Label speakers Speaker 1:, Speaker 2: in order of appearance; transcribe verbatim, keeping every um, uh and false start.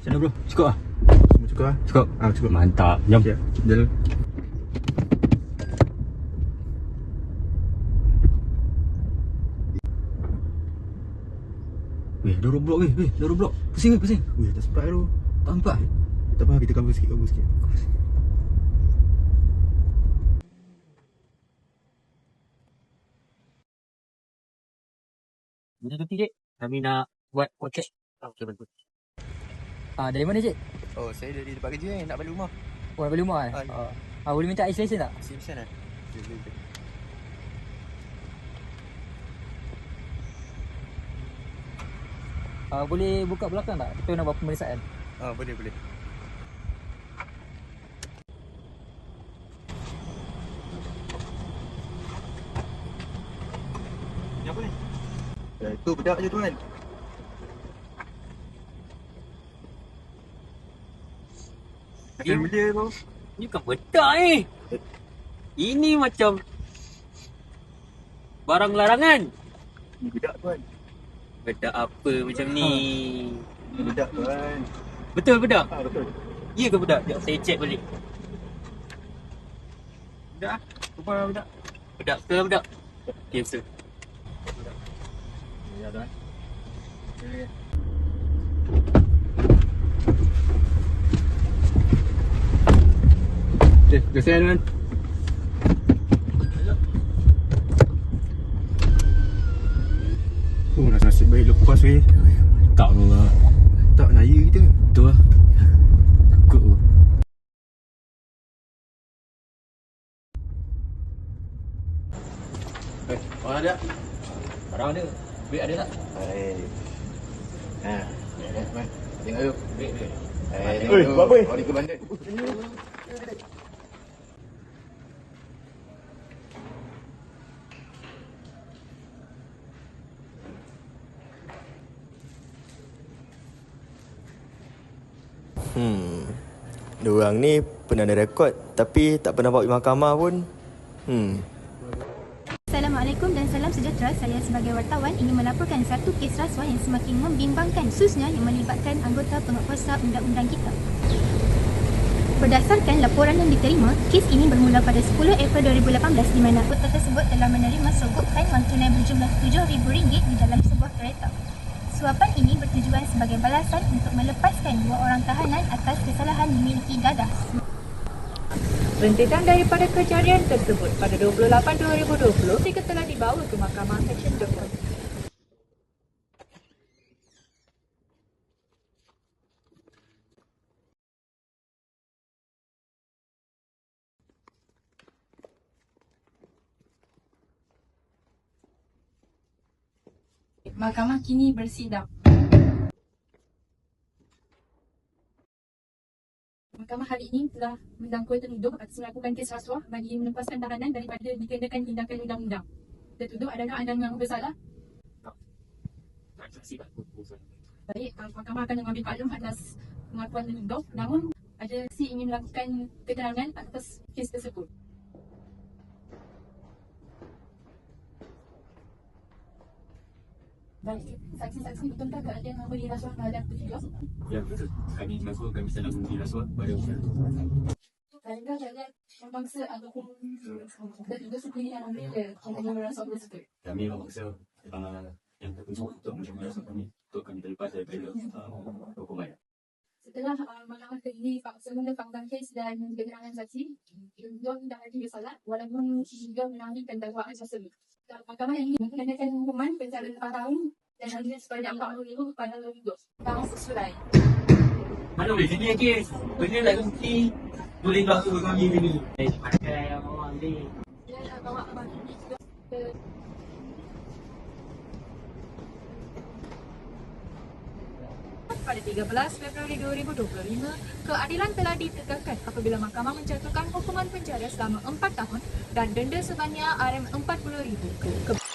Speaker 1: Macam mana bro? Cukup lah?
Speaker 2: Semua cukup lah?
Speaker 1: Cukup?
Speaker 2: Ah, cukup.
Speaker 1: Mantap. Jom.
Speaker 2: Okay, jalan.
Speaker 1: Weh, dah roadblock weh. Weh, dah roadblock. Pusing weh, pusing.
Speaker 2: Weh, tak sempat tu.
Speaker 1: Tak nampak eh?
Speaker 2: Tak apa, kita cover sikit, cover sikit.
Speaker 3: Bila tu cik, kami nak buat podcast. Okey, bagus.
Speaker 1: Ah, dari mana cik?
Speaker 4: Oh, saya dari tempat kerja ni, nak balik rumah.
Speaker 1: Oh, nak balik rumah eh?
Speaker 4: Ah,
Speaker 1: Ah, ah, boleh minta isolation tak?
Speaker 4: Simpson lah. Boleh, boleh, boleh.
Speaker 1: Ah, boleh buka belakang tak? Kita nak buat pemeriksaan.
Speaker 4: Ah, boleh, boleh. Ni apa ni? Ya, itu bedak je tuan.
Speaker 3: Eh,
Speaker 4: Macam benda tu.
Speaker 3: Ni bukan bedak ni. Ini macam barang larangan.
Speaker 4: Ni bedak tuan.
Speaker 3: Bedak apa macam ni?
Speaker 4: Ni bedak tuan.
Speaker 3: Betul bedak?
Speaker 4: Ah, betul.
Speaker 3: Ya ke bedak? Sekejap saya check balik.
Speaker 4: Bedak ah. Rupa bedak.
Speaker 3: Bedak ke bedak? Okey, sir.
Speaker 4: Ya tuan. Ya, ya.
Speaker 2: Okay, terima kasih tuan. Oh, nasib baik lepas weh.
Speaker 1: Tak lah.
Speaker 2: Tak naya kita.
Speaker 1: Betul lah. Takut tu.
Speaker 2: Eh, orang ada?
Speaker 1: Barang ada. Duit ada tak?
Speaker 4: Hai. Ha, ya dah, mai. Tengok tu.
Speaker 1: Duit, duit.
Speaker 4: Hai,
Speaker 2: Oi,
Speaker 4: tengok tu.
Speaker 2: buat apa ni?
Speaker 4: Oh, ni ke bandar. Hmm. Diorang ni pernah ada rekod tapi tak pernah bawa pergi mahkamah pun. Hmm.
Speaker 5: Assalamualaikum dan salam sejahtera. Saya sebagai wartawan ingin melaporkan satu kes rasuah yang semakin membimbangkan, khususnya yang melibatkan anggota penguatkuasa undang-undang kita. Berdasarkan laporan yang diterima, kes ini bermula pada sepuluh April dua ribu lapan belas di mana anggota tersebut telah menerima sogokan wang tunai berjumlah tujuh ribu ringgit di dalam sebuah kereta. Suapan ini bertujuan sebagai balasan untuk melepaskan dua orang tahanan atas kesalahan dimiliki dadah.
Speaker 6: Rentetan daripada kejadian tersebut pada dua puluh lapan dua ribu dua puluh, mereka telah dibawa ke Mahkamah Seksyen Jepun.
Speaker 7: Mahkamah kini bersidang. Mahkamah hari ini telah mendakwa tertuduh atas melakukan kes rasuah bagi melepaskan tahanan daripada dikenakan tindakan undang-undang. Tertuduh adalah anda yang bersalah. Baik, mahkamah akan mengambil maklum atas pengakuan tertuduh. Namun, ada si ingin melakukan keterangan atas kes tersebut. Baik, saksi-saksi betulkah ke ada yang memberi rasuah terhadap tertuduh?
Speaker 1: Ya, betul. Kami mengaku kami sedang memberi rasuah pada usaha.
Speaker 7: Adakah jalan memaksa ataupun tertuduh sendiri yang ambil pembayaran rasuah tersebut?
Speaker 1: Kami memaksa uh, yang tertuduh untuk menerima rasuah kami untuk kami terlepas daripada uh, hukuman.
Speaker 7: Setelah uh, mahkamah ini semula fakta kes dan keterangan saksi, tertuduh dah lagi bersalah walaupun juga menangani dakwaan tersebut. Mahkamah ini mengenakan hukuman penjara lapan tahun dan denda sebanyak empat puluh ribu kepada tertuduh. Tahun sesuai.
Speaker 3: Mana boleh jadi kes? Benda nak bukti. Boleh bakal kami ni. Eh, pakai yang orang ni.
Speaker 7: Dia dah bawa abang ini juga ke
Speaker 6: Pada tiga belas Februari dua ribu dua puluh lima, keadilan telah ditegakkan apabila mahkamah menjatuhkan hukuman penjara selama empat tahun dan denda sebanyak R M empat puluh ribu ke